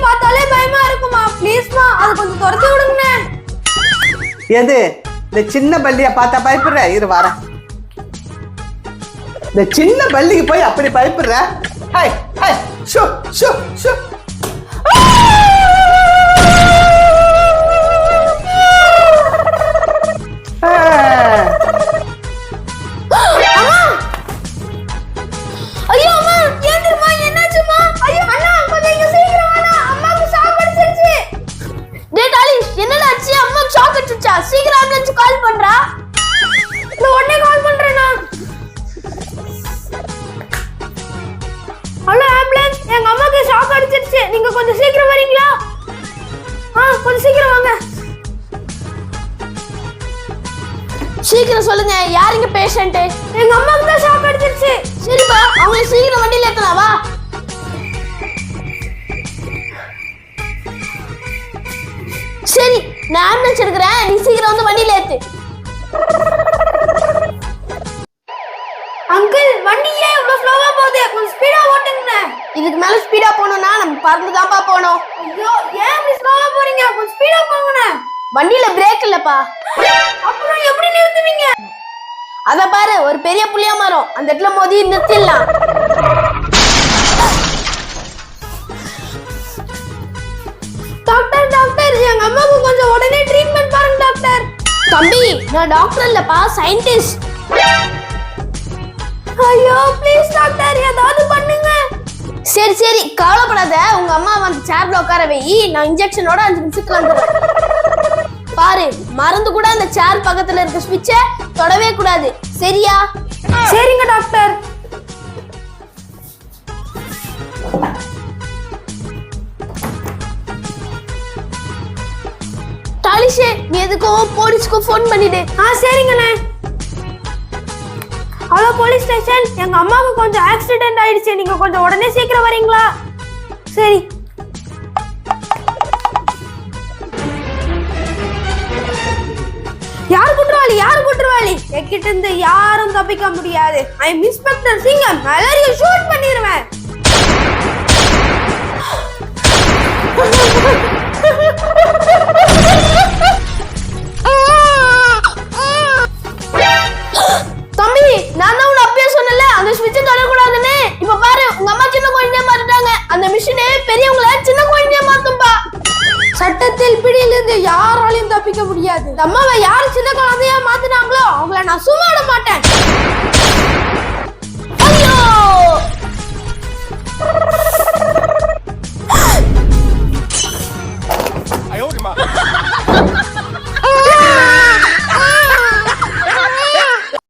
பார்த்தாலே பயமா இருக்குமா. ப்ளீஸ்மா அது கொஞ்சம் துரத்தி விடுங்க. எது இந்த சின்ன பல்லிய பார்த்தா பயப்படுற? இரு வரேன். இந்த சின்ன பல்லிக்கு போய் அப்படி பயப்படுற? ஹாய் ஹாய் ஷோ ஷோ ஷோ. ஐயோ அம்மா ஏந்திரமா, என்னாச்சுமா? ஐயோ அண்ணா கொஞ்சம் இங்க சீக்கிரம் வாடா, அம்மாக்கு ஷாக் அடிச்சிருச்சு. டேய் டாலிஷ், என்னடா ஆச்சு? அம்மாக்கு ஷாக் அடிச்சிருச்சா? சீக்கிரம் ஆம்புலன்ஸ் கால் பண்றா. நான் உடனே கால் பண்றேனா. ஹலோ ஆம்புலன்ஸ், எங்க அம்மாக்கு ஷாக் அடிச்சிருச்சு, நீங்க கொஞ்சம் சீக்கிரம் வரீங்களா? கொஞ்சம் சீக்கிரம் வாங்க. சீக்கிரம் சொல்லுங்க, யாருங்க பேஷண்ட்? எங்க அம்மாக்கு தான் ஷாக் அடிச்சிருச்சு. சரிப்பா, அவங்க சீக்கிரம் வண்டியில ஏத்தலாம் வா. சரி, நான் ஆம்புலன்ஸ் எடுக்கிறேன், நீ சீக்கிரம் வந்து வண்டியில ஏத்து. அங்கிள், வண்டி ஏன் இவ்வளவு ஸ்லோவா போகுது? கொஞ்சம் ஸ்பீடா ஓட்டுங்க. இதுக்கு மேல ஸ்பீடா போகணும்னா நம்ம பறந்து தான்ப்பா போகணும். ஐயோ, ஏன் இப்படி ஸ்லோவா போறீங்க? கொஞ்சம் ஸ்பீடா போங்க. வண்டியில பிரேக் இல்லப்பா. அப்புறம் எப்படி நிறுத்துவீங்க? அத பாரு, ஒரு பெரிய புளிய மரம், அந்த இடத்துல மோதி நிறுத்திடலாம். டாக்டர் டாக்டர், எங்க அம்மாவுக்கு கொஞ்சம் உடனே ட்ரீட்மெண்ட் பாருங்க டாக்டர். தம்பி, நான் டாக்டர் இல்லப்பா, சயின்டிஸ்ட். ஐயோ ப்ளீஸ் டாக்டர், ஏதாவது பண்ணுங்க. சரி சரி, கவலைப்படாத, உங்க அம்மா வந்து சேர்ல உட்கார வை, நான் இன்ஜெக்ஷனோட 5 நிமிஷத்துல வந்துடுறேன். பாரு, மறந்து கூட அந்த சேர் பக்கத்துல இருக்க ஸ்விட்சை தொடவே கூடாது, சரியா? சரிங்க டாக்டர். டாலிஷே, நீ எதுக்கோ போலீஸ்க்கு ஃபோன் பண்ணிடு. சரிங்கண்ணே. ஹலோ போலீஸ் ஸ்டேஷன், எங்க அம்மாவுக்கு கொஞ்சம் ஆக்சிடென்ட் ஆயிடுச்சு, நீங்க கொஞ்சம் உடனே சீக்கிரம் வரீங்களா? சரி. யார் குற்றவாளி? யார் குற்றவாளி? என்கிட்ட இருந்து யாரும் தப்பிக்க முடியாது. ஐ அம் இன்ஸ்பெக்டர் சிங்கம், எல்லாரையும் ஷூட் பண்ணிடுவேன். தம்பி, நான் தான் உன்னை அப்பயே சொன்னல அந்த ஸ்விட்சை தொடக்கூடாதுன்னு. இப்ப பாரு, உங்க அம்மா சின்ன குழந்தையா மாறிட்டாங்க. அந்த மிஷினே பெரியவங்கள சின்ன குழந்தையா மாத்தும்பா. சட்டத்தில் பிடியிலிருந்து யாராலையும் தப்பிக்க முடியாது. அம்மாவை யார் சின்ன குழந்தையா மாத்தினாங்களோ அவங்கள நான் சும்மா விட மாட்டேன்.